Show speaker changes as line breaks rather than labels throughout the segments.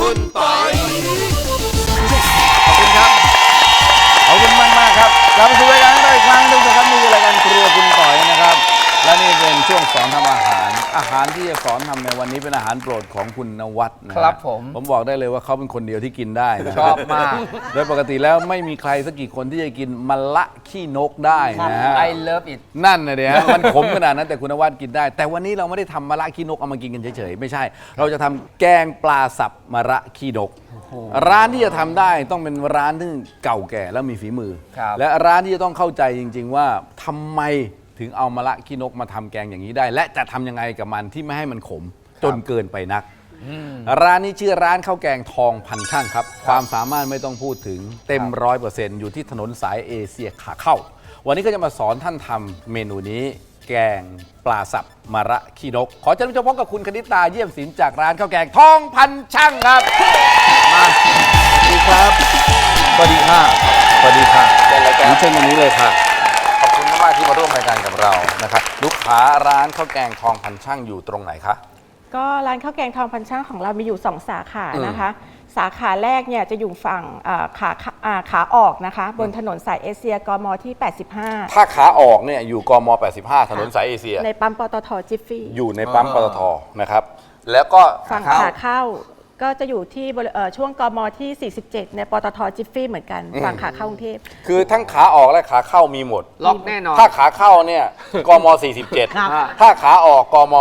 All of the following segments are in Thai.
คุณปอย
ขอบคุณครับขอบคุณมากครับกลับมาสู่รายการของเราอีกครั้งหนึ่งนะครับนี่คือรายการครัวคุณต่อยนะครับและนี่เป็นช่วงสอนทำอาหารที่จะสอนทำในวันนี้เป็นอาหารโปรดของคุณนวัดนะครับผมบอกได้เลยว่าเขาเป็นคนเดียวที่กินได้นะ
ชอบมาก
โดยปกติแล้วไม่มีใครสักกี่คนที่จะกินมะละขี้นกได้นะฮะ
I love it
นั่นนะเดี๋ยวมันขมขนาดนั้นแต่คุณนวัดกินได้ แต่วันนี้เราไม่ได้ทำมะระขี้นกเอามากินกันเฉยๆไม่ใช่ เราจะทำแกงปลาสับมะระขี้นกร้านที่จะทำได้ต้องเป็นร้านที่เก่าแก่แล้วมีฝีมือ และร้านที่จะต้องเข้าใจจริงๆว่าทำไมถึงเอามะระขี้นกมาทำแกงอย่างนี้ได้ และจะทำยังไงกับมันที่ไม่ให้มันขมจนเกินไปนัก ร้านนี้ชื่อร้านข้าวแกงทองพันช่างครับความสามารถไม่ต้องพูดถึงเต็ม100%อยู่ที่ถนนสายเอเชียขาเข้า วันนี้ก็จะมาสอนท่านทำเมนูนี้แกงปลาสับมะระขี้นกขอเชิญพบกับคุณคณิตาเยี่ยมศิลป์จากร้านข้าวแกงทองพันช่างครับมาสวัสดีครับสวัสดีค่ะสวัสดีค่ะเชิญตรงนี้เลยค่ะขอบคุณมากที่มาร่วมรายการกับเรานะครับลูกค้าร้านข้าวแกงทองพันช่างอยู่ตรงไหนคะ
ก็ร้านข้าวแกงทองพันช่างของเรามีอยู่ 2 สาขานะคะ สาขาแรกเนี่ยจะอยู่ฝั่งขาออกนะคะบนถนนสายเอเชียกมที่ 85
ถ้าขาออกเนี่ยอยู่กม85ถนนสายเอเชีย
ในปั๊มปตทจิฟฟี่
อยู่ในปั๊มปตทนะครับแล้วก็
ฝั่งขาเข้าก็จะอยู่ที่ช่วงกมที่ 47 ในปตทจิฟฟี่เหมือนกันฝั่งขาเข้ากรุงเทพ
คือทั้งขาออกและขาเข้ามีหมด
ล็อกแน่นอน
ถ้าขาเข้าเนี่ยกม47ถ้าขาออกกม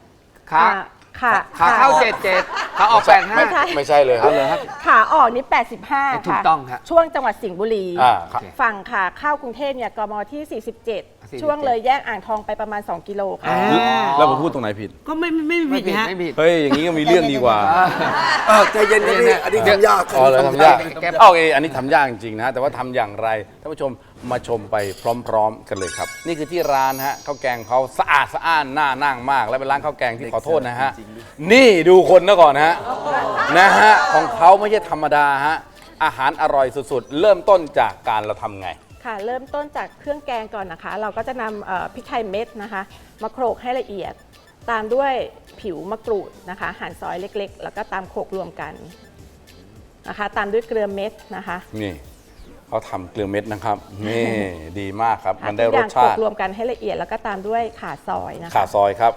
ขาเข้า77ขาออก85
ไม่ใช่เลยครับ
ขาออกนี่85
ถูก
ค่ะ
ต้องครับ
ช่วงจังหวัดสิงห์บุรี ฝั่งขาเข้ากรุงเทพเนี่ยกมที่ 47 ช่วงเลยแยกอ่างทองไปประมาณ2กิโลค่ะ
แล้วผมพูดตรงไหนผิด
ก็ไม่ผิดฮะ
เฮ้ยอย่างนี้ก็มีเรื่องดีกว่า
ใจเย็นๆนี่อันนี้ทำยาก
เลยทำยากโอเคอันนี้ทำยากจริงๆนะแต่ว่าทำอย่างไรท่านผู้ชมมาชมไปพร้อมๆกันเลยครับนี่คือที่ร้านฮะข้าวแกงเขาสะอาดสะอ้านน่านั่งมากและเป็นร้านข้าวแกงที่ขอโทษนะฮะนี่ดูคนนะก่อนฮะของเขาไม่ใช่ธรรมดาฮะอาหารอร่อยสุดๆเริ่มต้นจากการเราทำไง
ค่ะเริ่มต้นจากเครื่องแกงก่อนนะคะเราก็จะนำพริกไทยเม็ดนะคะมาโขลกให้ละเอียดตามด้วยผิวมะกรูดนะคะหั่นซอยเล็กๆแล้วก็ตามโขลกรวมกันนะคะตามด้วยเกลือเม็ดนะคะ
นี่เขาทำเกลือเม็ดนะครับนี่ดีมากครับมันได้รสชาติ
รวมกันให้ละเอียดแล้วก็ตามด้วยข่าซอยนะคะ
ข่าซอยครับ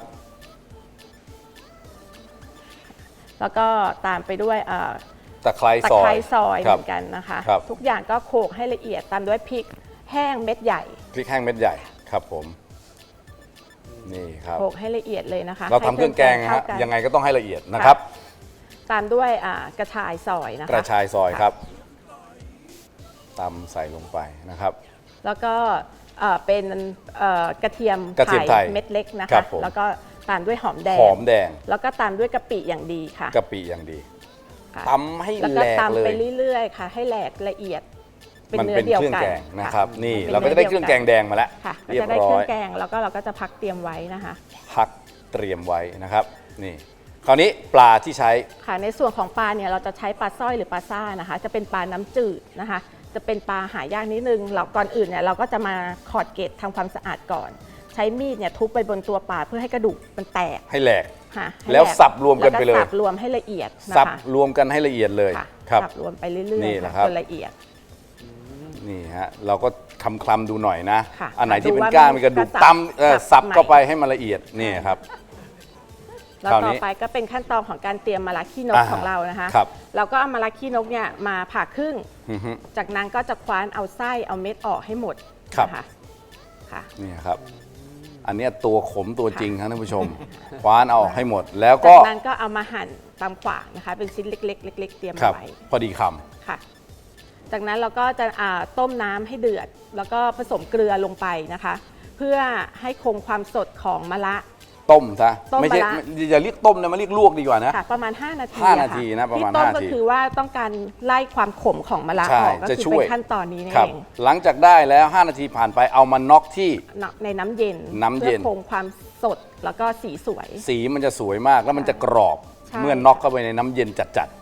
แล้วก็ตามไปด้วย
ตะไคร้
ซอยเหมือนกันนะคะทุกอย่างก็โขลกให้ละเอียดตามด้วยพริกแห้งเม็ดใหญ่
พริกแห้งเม็ดใหญ่ครับผมนี่ครับ
โขลกให้ละเอียดเลยนะคะ
เราทำเครื่องแกงฮะยังไงก็ต้องให้ละเอียดนะครับ
ตามด้วยกระชายซอยนะคะ
กระชายซอยครับตำใส่ลงไปนะครับ
แล้วก็เป็นกระเทียมไทยเม็ดเล็กนะคะแล้วก็ตามด้วยหอมแดงแล้วก็ตามด้วยกะปิอย่างดีค่ะ
กะปิอย่างดีตำให้แหลกเลย
แล้วก็ตำไปเรื่อยๆค่ะให้แหลกละเอียดเป็นเนื้อเดียวกัน
นะครับนี่เราก็จะได้เครื่องแกงแดงมาแล้ว
เรียบร้อยจะได้เครื่องแกงแล้วก็เราก็จะพักเตรียมไว้นะคะ
พักเตรียมไว้นะครับนี่คราวนี้ปลาที่ใช้
ค่ะในส่วนของปลาเนี่ยเราจะใช้ปลาสร้อยหรือปลาซ่านะคะจะเป็นปลาน้ำจืดนะคะจะเป็นปลาหายากนิดนึงเราก่อนอื่นเนี่ยเราก็จะมาขอดเกล็ดทำความสะอาดก่อนใช้มีดเนี่ยทุบไปบนตัวปลาเพื่อให้กระดูกมันแตก
ให้แหลกแล้วสับรวมกันไปเลย
สับรวมให้ละเอียด
สับรวมกันให้ละเอียดเลย
ครับสับรวมไปเรื่อยๆจนละเอียด
นี่ฮะเราก็คลำดูหน่อยนะอันไหนที่เป็นก้างมีกระดูกตำสับเข้าไปให้มันละเอียดนี่ครับ
แล้วต่อไปก็เป็นขั้นตอนของการเตรียมมะระขี้นกของเรานะคะเราก็เอามะระขี้นกเนี่ยมาผ่าครึ่งจากนั้นก็จะคว้านเอาไส้เอาเม็ดออกให้หมดนะคะ
นี่ครับอันนี้ตัวขมตัวจริงครับท่านผู้ชมคว้านเอาให้หมดแล้วก็
จากนั้นก็เอามาหั่นตามขวางนะคะเป็นชิ้นเล็กๆเล็กๆเตรียมไว้
พอดีค
ำค่ะจากนั้นเราก็จะต้มน้ำให้เดือดแล้วก็ผสมเกลือลงไปนะคะเพื่อให้คงความสดของมะระ
ต้มซะไม่ใช่อย่าเรียกต้มนะมาเรียกลวกดีกว่านะ
ประมาณ5 นาที
5 นาทีนะประมาณ5 นาที
ที่ต้มก็คือว่าต้องการไล่ความขมของมะระออกก็คือเป็นขั้นตอนนี้เอง
หลังจากได้แล้ว5 นาทีผ่านไปเอามาน็อกที่
ในน้ำเย็นเพื่อคงความสดแล้วก็สีสวย
สีมันจะสวยมากแล้วมันจะกรอบเมื่อน็อกเข้าไปในน้ำเย็นจัด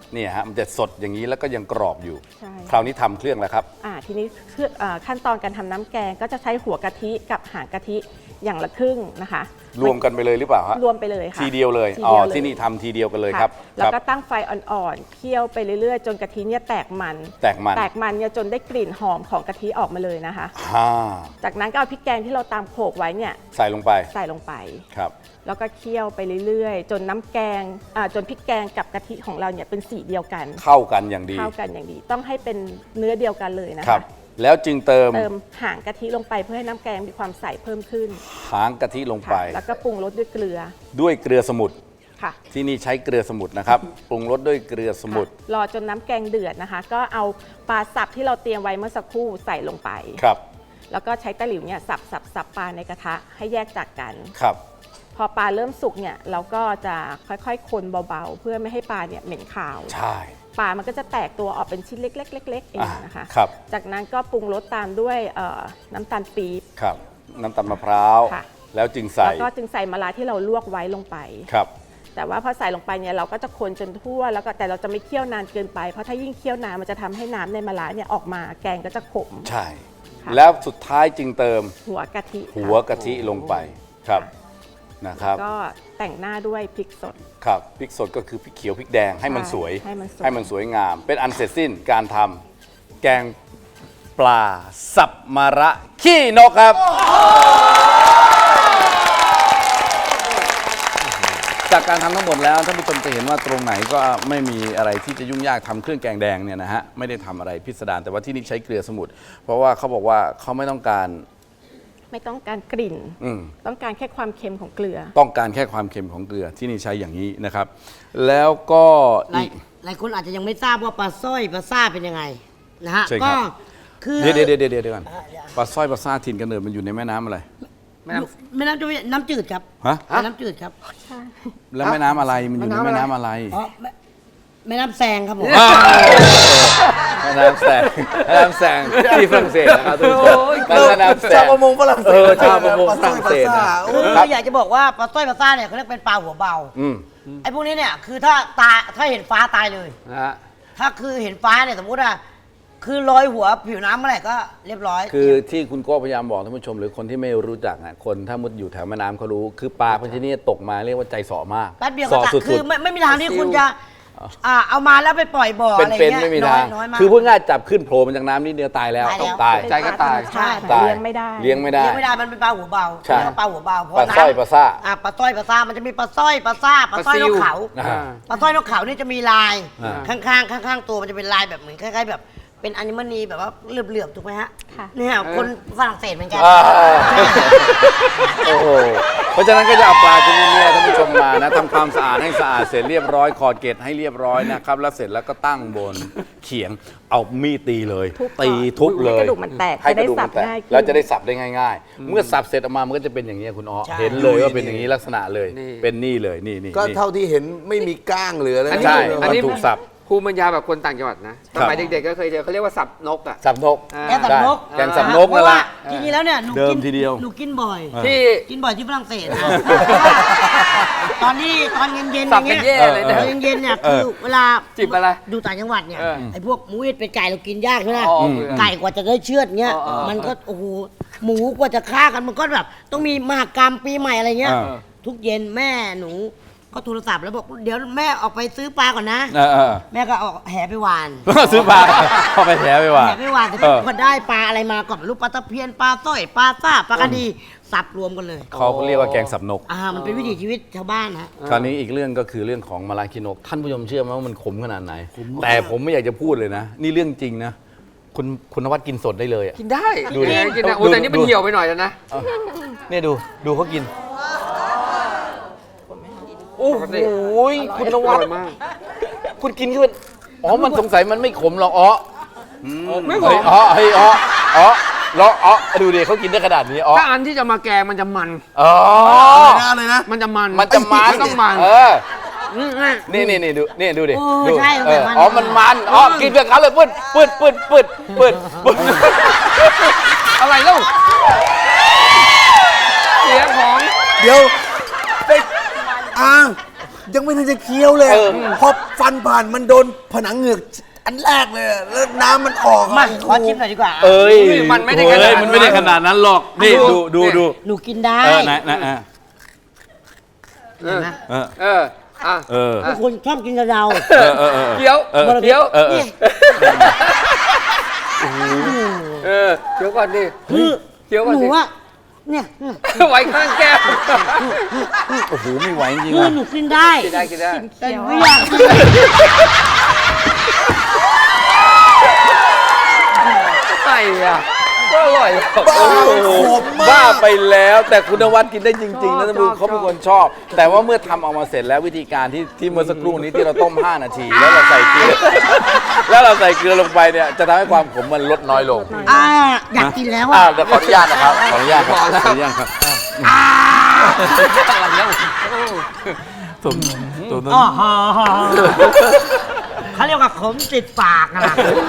เนี่ยฮะมันจะสดอย่างนี้แล้วก็ยังกรอบอยู่
ใช่
คราวนี้ทำเครื่องแล้วครับ
ทีนี้ขั้นตอนการทำน้ำแกงก็จะใช้หัวกะทิกับหางกะทิอย่างละครึ่งนะคะ
รวมกันไปเลยหรือเปล่าฮะ
รวมไปเลยค่ะ
ทีเดียวเลย
ที
อ๋อ
เดียวเลย
ที่นี่ทำทีเดียวกันเลย
ค่ะ
ครับ
แล้ว
ค
ก็
รับ
ตั้งไฟอ่อนๆเคี่ยวไปเรื่อยๆ จนกะทิเนี่ยแตกมัน
แตกมัน
เนี่ยจนได้กลิ่นหอมของกะทิออกมาเลยนะคะ
ฮ่า
จากนั้นก็เอาพริกแกงที่เราตามโขลกไว้เนี่ย
ใส่ลงไป
ใส่ลงไป
ครับ
แล้วก็เคี่ยวไปเรื่อยๆ จนน้ำแกงจนพริกแกงกับกะทิของเราเนี่ยเป็นสีเดียวกัน
เข้ากันอย่างดี
เข้ากันอย่างดีต้องให้เป็นเนื้อเดียวกันเลยนะ
ครั
คะ
บ แล้วจึงเติม
เติมหางกะทิลงไปเพื่อให้น้ำแกงมีความใสเพิ่มขึ้น
หางกะทิลงไป
ค่ะแล้วก็ปรุงรสด้วยเกลือ
ด้วยเกลือสมุทร
ค่ะ
ที่นี่ใช้เกลือสมุทรนะครับ ปรุงรสด้วยเกลือสมุทร
ค่ะรอจนน้ำแกงเดือดนะคะ ก็เอาปลาสับที่เราเตรียมไว้เมื่อสักครู่ใส่ลงไป
ครับ
แล้วก็ใช้ตะหลิวเนี่ยสับปลาในกระทะให้แยกจากกัน
ครับ
พอปลาเริ่มสุกเนี่ยเราก็จะค่อยๆ คนเบาๆ เพื่อไม่ให้ปลาเนี่ยเหม็นคาว
ใช่
ปลามันก็จะแตกตัวออกเป็นชิ้นเล็กๆๆๆเองนะคะ
ครับ
จากนั้นก็ปรุงรสตามด้วยน้ำตาลปี๊บ
ครับ น้ำตาลมะพร้าว
ค่ะ
แล้วจึงใส่
แล้วก็จึงใส่มะระที่เราลวกไว้ลงไป
ครับ
แต่ว่าพอใส่ลงไปเนี่ยเราก็จะคนจนทั่วแล้วก็แต่เราจะไม่เคี่ยวนานเกินไปเพราะถ้ายิ่งเคี่ยวนานมันจะทำให้น้ำในมะระเนี่ยออกมาแกงก็จะขม
ใช่
ค่ะ
แล้วสุดท้ายจึงเติม
หัวกะทิค่ะ
หัวกะทิลงไป ครับ นะครับ
ก็แต่งหน้าด้วยพริกสด
ครับ พริกสดก็คือพริกเขียวพริกแดงให้มันสวย
ให้มันสวย
ให้มันสวยงาม เป็นอันเสร็จสิ้นการทำแกงปลาสับมะระขี้นกครับ จากการทำทั้งหมดแล้วท่านผู้ชมจะเห็นว่าตรงไหนก็ไม่มีอะไรที่จะยุ่งยากทำเครื่องแกงแดงเนี่ยนะฮะไม่ได้ทำอะไรพิสดารแต่ว่าที่นี่ใช้เกลือสมุทรเพราะว่าเขาบอกว่าเขาไม่ต้องการ
ไม่ต้องการกลิ่น ต้องการแค่ความเค็มของเกลือ
ต้องการแค่ความเค็มของเกลือที่นี่ใช้อย่างนี้นะครับ แล้วก็
หลาย
อีก
หลายคนอาจจะยังไม่ทราบว่าปลาสร้อยปลาซ่าเป็นยังไงนะฮะ
ใช่ครั
ก็
บ
คือ
เดี๋ยวก่อนปลาสร้อยปลาซ่าถิ่นกำเนิดมันอยู่ในแม่น้ำอะไร
แม่น้
แม่น้ำจะน้ำจืดครับ
ฮะ
แม่น้ำจืดครับ
แล้วแม่น้ำอะไรมันอยู่ในแม่น้ำอะไร
อ๋อแม่น้ำแซงครับผม
แม่น้ำแสงแม่น้ำแสงที่ฝรั่งเศสนะครับทุกคนแม่น้ำแส
ชาว
ง
ประมงฝรั่งเศส
ชาวประมงฝรั่งเศสนะ
คือ
ครับ
อยากจะบอกว่าปลาสร้อยปลาซ่าเนี่ยเขาเรียกเป็นปลาหัวเบา
อืม
ไอ้พวกนี้เนี่ยคือถ้าเห็นฟ้าตายเลย
ำนะฮะ
ถ้าคือเห็นฟ้าเนี่ยสมมติว่าคือลอยหัวผิวน้ำเมื่อไหร่ก็เรียบร้อย
คือที่คุณโก้พยายามบอกท่านผู้ชมหรือคนที่ไม่รู้จักอ่ะคนถ้ามุดอยู่แถวแม่น้ำเขารู้ คือปลาพันชนิดตกมาเรียกว่าใจเสาะมาก
แป๊บเดียว
เสาะ
ก็ตัด
สุ
คือ
ด
ไม่มีทางที่คุณจะเอามาแล้วไปปล่อยบ่อ
ๆ
อะไร
เป็น
เงี้ย
ไม่มี
น้
ทา
อย
ง
น้อยมาก
คือพูดง่ายจับขึ้นโผล่มาจากน้ำนิดเดียวตายแล้ว
ตายแล้ว
ตาย
ใจก็ตาย
ใช่
ตาย
เลี้ยงไม่ได้
เลี้ยงไม่ได้
เลี้ยงไม่ได้มันเป็นปลาหัวเบา
ใช่
เรียกว่าปลาหัวเบาเพราะ
ปลาสร้อย
น้ำ
ปลาซ่า
ปลาสร้อยปลาซ่ามันจะมีปลาสร้อยปลาซ่าปลาสร้อย
ปลาซิ
น
ว
กเขา
อ่า
ปลาสร้อยนกเขานี่จะมีลาย
อ่า
ข้างตัวมันจะเป็นลายแบบเหมือนคล้ายๆแบบเป็นอนิมณีแบบว่าเหลือบๆถูกไหมฮะ
ค่ะ
เนี่ยคนฝรั่งเศสเหมือนกัน
อ่าโอ้โหเพราะฉะนั้นก็จะเอาปลาชนิดเนี้ท่านผู้ชมมานะทำความสะอาดให้สะอาดเสร็จเรียบร้อยคอเกตให้เรียบร้อยนะครับแล้วเสร็จแล้วก็ตั้งบนเขียงเอามีดตีเลย
ทุบ
ตีทุบเลย
ให้กระดูกมันแตก
ให้กระดูก
จะได้สั
มัน
บ
แตก
ง่ายขึ้น
แล้วจะได้สับได้ง่าย ๆ เมื่อสับเสร็จออกมามันก็จะเป็นอย่างนี้คุณอ๋อ
ใช่
เห็นเลยว่าเป็นอย่างนี้ลักษณะเลย
นี่
เป็นนี่เลยนี่นี่
ก็เท่าที่เห็นไม่มีก้างเหลือเลย
อันนี้
ใช่
อันนี้
มันถูกสับ
ภูมิปัญญาแบบคนต่างจังหวัดนะสมัยเด็กๆก็เคยเจอเขาเรียกว่าสับนกอ่ะ
สับนก
อ่า
แกงสับนก
ได้แกงสับนก
เพ
นั่น
ราะ
แห
ว่า
ละ
จริงๆแล้วเนี่ยหนู
เดิม
กิน
ทีเดียว
หนูกินบ่อย
ที่
กินบ่อยที่ฝรั่งเศสนะตอนเย็นๆอ
สับ
ย่าง
กัน
เงี้ย
แย่เลยนะ
ตอนเย็นๆเนี่ยคือเวลา
จิบอะไร
ดูต่างจังหวัดเนี่ย
เออ
ไอ้พวกหมูเอ็ดเป็นไก่เรากินยากใช่ไหม
อ๋อ
ไก่กว่าจะได้เชือดเงี้ย
อ๋อ
มันก็โอ้โหหมูกว่าจะฆ่ากันมันก็แบบต้องมีมหกรรมปีใหม่อะไรเงี้ย
อ่า
ทุกเย็นแม่หนูก็โทรศัพท์แล้วบอกเดี๋ยวแม่ออกไปซื้อปลาก่อนนะ แม่ก็เอาแหไปหวาน
ซื้อปลาเข้าไปแถไปว่า
แหไปหวานแต่พอได้ปลาอะไรมาก่อนลูกปลาตะเพียนปลาสร้อยปลาซ่าปลากระดีสับรวมกันเลย
เขาเรียกว่าแกงสับนก
มันเป็นวิถีชีวิตชาวบ้านฮะ
คราวนี้อีกเรื่องก็คือเรื่องของมะระคินกท่านผู้ชมเชื่อไหมว่ามันขมขนาดไหน แต่ผมไม่อยากจะพูดเลยนะ นี่เรื่องจริงนะ คุณนวัดกินสดได้เลยอะ
กินได้
ดูดิ
กินได้โอ้
ดู
แต่นี่มัน
ดู
เหี่ยวไปหน่อยแล้วนะ
เนี่ยดูเขากิน โอ้โหคุณนวัด
อร่อยมาก
คุณกินขึ้นอ๋อมันสงสัยมันไม่ขมหรอกอ๋อ
ไม่ขม
เฮ้ยแล้วดูดิเขากินได้ขนาดนี้อ๋อ
ถ้าอันที่จะมาแกงมันจะมัน
อ๋อ
อะไรนะ
มันจะมัน
มันจะมัน
ต้องมัน
เออ
นี่
นี่ดูดิ
โอ้
ดู
ใช่มันมัน
อ๋อมันกินกับเขาเลยปืด
อะไรเล่าเสียงของ
เดี๋ยวไปอ่างยังไม่ทันจะเคี้ยวเลยพอฟันผ่านมันโดนผนังเหงือกอันแรกเลยอะแล้วน้ำมันออกอะ
มาขอชิมหน่อยดีกว่า
เอ้ย
มันไม่ได้ขนาดนั้น
มันไม่ได้ขนาดนั้นหรอกนี่ดู
หนูกินได้
นะ
เห็นไหม
อ่ะ
ทุกคนชอบกินกระเดา
เคี้ยวเคี้ยว
นี่
เคี้ยวก่อนดิ
คือ
เคี้ยวก่อน
หนู
สิ
ว่าเนี่ย
ไว้ข้างแก้ม
โอ้โหไม่ไหวจริง
คือ
อ่ะ
หนูกินได้
กินได้กินได้
แต่หนูไม่อยากกิน
ไอ้อะก็อร่อย
บ้าไปแล้วแต่คุณนวัดกินได้จริงๆนะท่านผู้ชมเขาเป็นคนชอบ แต่ว่าเมื่อทำออกมาเสร็จแล้ววิธีการที่เมื่อสักครู่นี้ที่เราต้ม 5 นาที แล้วเราใส่เกลือลงไปเนี่ยจะทำให้ความขมมันลดน้อยลง
อยากกินแล้ว
อ่า
อ่ะ
เดี๋ยวขออนุญาตนะครับขออนุญาตครับขออนุญาตครับตัวนั้น
อ๋อเขาเรียกว่าขมติดปากนะ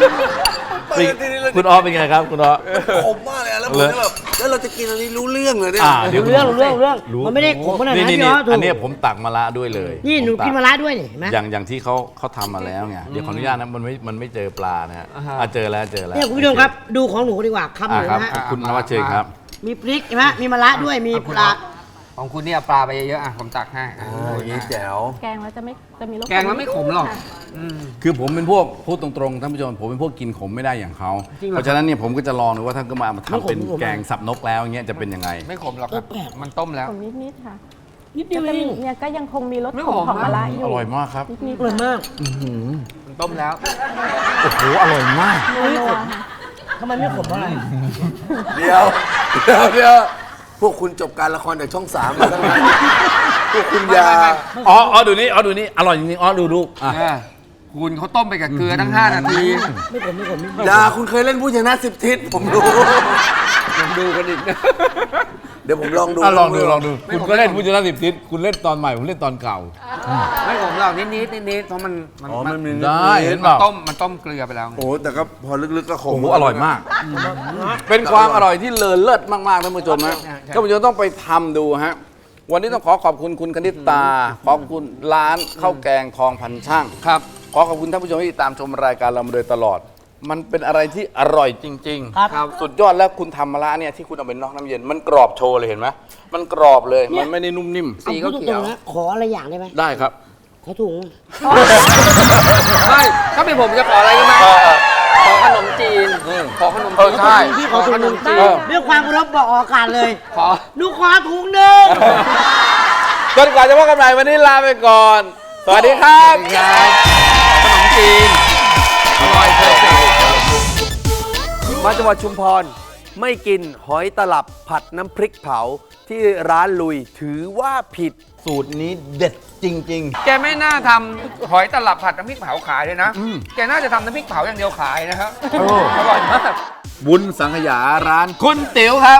คุณอ้อเป็นไงครับคุณอ้อ
ขมมากเลยอะแล้วผมก็แบบแล้วเราจะกินอันนี้รู้เรื่องเลยเนี่ย
เดี๋ยว
เรื่องมันไม่ได้ขมขนาดนั้น
นี่
พี่อ๋อถูก
อันนี้ผมตักมะระด้วยเลย
นี่หนู
ผม
กินมะระด้วยนี่เห็นไหม
อย่างที่เขาทำมาแล้วไงเดี๋ยวขออนุญาตนะมันไม่เจอปลานะฮะเจอแล้ว
เนี่ยคุณผู้ชมครับดูของหนูดีกว่าคำหนู
ครับ
นะฮะ
คุณนวัดเชิญครับ
มีพริกเห็นไหมมีมะระด้วยมีปลา
ของคุณเนี่ยปลาไปเยอะๆอ่ะผมตักให้
อย่างนี้แจ๋ว
แกงแล้วจะมีรส
แกงแล้วไม่ขมหรอก
ค่ะ
คือผมเป็นพวกพูดตรงๆท่านผู้ชมผมเป็นพวกกินขมไม่ได้อย่างเขาเพราะฉะนั้นเนี่ยผมก็จะลองดูว่าท่านก็มาทำเป็นแกงสับนกแล้วอย่างเงี้ยจะเป็นยังไง
ไม่ขมหรอกครับมันต้มแล้ว
ขมนิดๆค่ะ
นิดเดี
ก็
ยว
จะ
เอ
มี
ง
เนี่ยก็ยังคงมีรส
ไม่
ข
ข
ม
ม
ของมะระ
อ
อยู่
ร่อยมากครับ
นิด
อร่อยมาก
มันต้มแล้ว
โอ้โหอร่อยมาก
ๆนัวๆค่ะ
ทำไมไม่ขมเพราะอะไร
เดี๋ยวพวกคุณจบการละครจากช่อง3มาตั้งนานพวกคุณอย่า
อ๋อดูนี่อร่อยจริงๆดูอ่ะ
คุณเขาต้มไปกับเกลือตั้ง 5 นาที
ไม่ขม
อย่าคุณเคยเล่นผู้ชนะ10 ทิศผมรู้
ยังดูกันอีกนะ
เดี๋ยวผมลองดู
ลองดูคุณก็เล่นผู้ชนะ10 ทิศคุณเล่นตอนใหม่ผมเล่นตอนเก่า
ไม่ขมหรอกนิดเพราะมัน
อ๋อมันมี
ได้เห็นเปล่า
มันต้มเกลือไปแล้ว
โอ้แต่ก็พอลึกๆก็ข
โอ้
ม
โหอร่อยมาก เป็นความอร่อยที่เลอเลิศมากๆท่านผู้ชมนะท่านผู้ชมต้องไปทำดูฮะวันนี้ต้องขอขอบคุณคุณคณิตตาขอบคุณร้านข้าวแกงทองพันช่างครับขอขอบคุณท่านผู้ชมที่ติดตามชมรายการเรามาโดยตลอด มันเป็นอะไรที่อร่อยจริงๆ
ครับ
สุดยอดแล้วคุณทำมะระเนี่ยที่คุณเอาเป็นนอกน้ำเย็นมันกรอบโชว์เลยเห็นไหมมันกรอบเลยมันไม่ได้นุ่มนิ่ม
สี
เอา
ก็
พูด
เขี
ต
ย
ร
ว
งๆนะขออะไรอย่างได้ไหม
ได้ครับ
ขอถุง
ไม่ถ้าเป็นผมจะขออะไรกันไหมขอขนมจีนขอขนมจีน
ใช่
พี่ขอถุงหนึ่ง
จีน
ด้วยความเคารพบอกออกอากาศเลย
ขอ
หนูขอถุงหนึ่ง
จนกว่าจะพบกันใหม่วันนี้ลาไปก่อน สวัสดีครับ
ขนมจีนอร่อยเพอร์เฟกต์
มาจังหวัดชุมพรไม่กินหอยตลับผัดน้ำพริกเผาที่ร้านลุยถือว่าผิด
สูตรนี้เด็ดจริง
แกไม่น่าทำหอยตลับผัดน้ำพริกเผาขายเลยนะ แกน่าจะทำน้ำพริกเผาอย่างเดียวขายนะครับอร่อยมาก
ๆ บุญสังขยาร้านคุณติ๋วครับ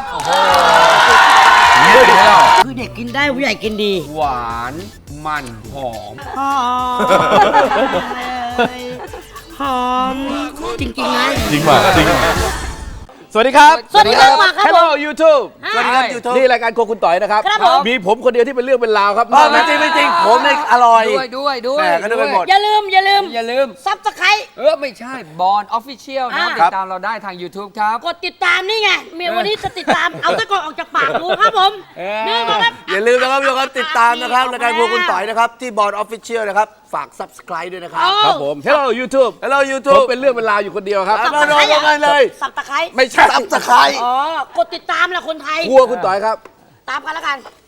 คือเด็กกินได้ผู้ใหญ่กินดี
หวานมันหอม
หอมจริงๆนะ
จริงป่ะจริงสวัสดีครับ
สวัสดีครับครับ
Hello YouTube
สวัสดีครับ YouTube
นี่รายการโครัวคุณต่อยนะครับ
ครับผม
มีผมคนเดียวที่เป็นเรื่องเป็นราวครับ
ไม่จริงไม่จริงผมเนี่ยอร่อย
ด้วย
แหม่ก็นึกไปหมด
อย่าลืม
อย่าลืม
ซับสไครต์
ไม่ใช่บอลออฟฟิเชียลนะครับ
อ่า
ติดตามเราได้ทาง YouTube ครับ
กดติดตามนี่ไงเมียวันนี้จะติดตาม เอาตะกอนออกจากปากดูครับผม นี่นะครับ
อย่าลืมนะครับทุกคนติดตามนะครับรายการพวกคุณต่อยนะครับ ที่บอร์ดออฟฟิเชียลนะครับ ฝาก subscribe ด้วยนะครับ
ครับผม Hello YouTube
Hello
ผม
YouTube
เป็นเรื่องเป็นราวอยู่คนเดียวครับ
ครับ มาเลย
สับตะไคร้
ไม่ใช่
subscribe
อ๋อ กดติดตามแหละคนไทย
ครัวคุณต่อยครับ
ตามกันแล้วกัน